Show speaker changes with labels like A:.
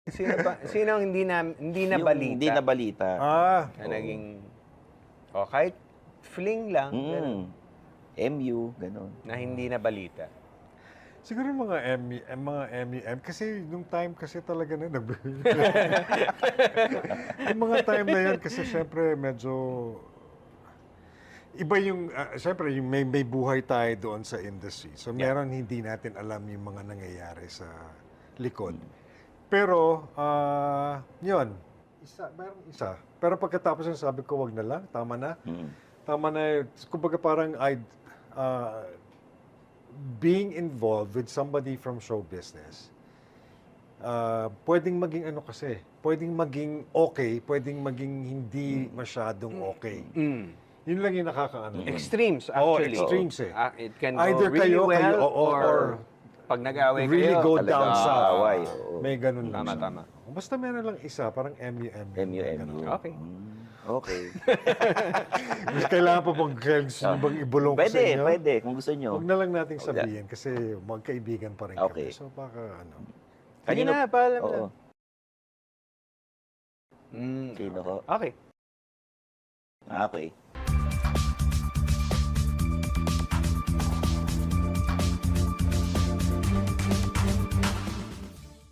A: Sino ang hindi na
B: Yung
A: balita?
B: hindi na balita.
A: Na naging, kahit fling lang, ganun,
B: MU, gano'n.
A: na hindi na balita.
C: Siguro mga MEM, kasi nung time kasi talaga na yung mga time na yun kasi syempre medyo iba yung syempre yung may buhay tayo doon sa industry. So meron hindi natin alam yung mga nangyayari sa likod. Pero yun, meron isa. Pero pagkatapos yung sabi ko, wag na lang, tama na. Tama na, kumbaga parang being involved with somebody from show business, pwedeng maging ano kasi, pwedeng maging okay, pwedeng maging hindi masyadong okay. Yun lang yung nakakaano.
A: Extremes, actually.
C: Extremes eh.
A: It can go
C: Either
A: really well,
C: or
A: pag nag-away
C: really
A: kayo,
C: go
A: talaga,
C: down sa
B: away.
C: may ganun lang
A: Tama.
C: siya. Basta meron lang isa, parang MU.
B: MU.
A: Okay.
B: Okay.
C: Mas kailangan pa bang bang ibulong ko sa inyo?
B: Pwede, kung gusto nyo.
C: Huwag na lang nating sabihin kasi magkaibigan pa rin
B: Okay.
C: kami. So baka ano.
A: Sige na, paalam na.
B: Oo. Sino ko?
A: Okay.
B: Okay.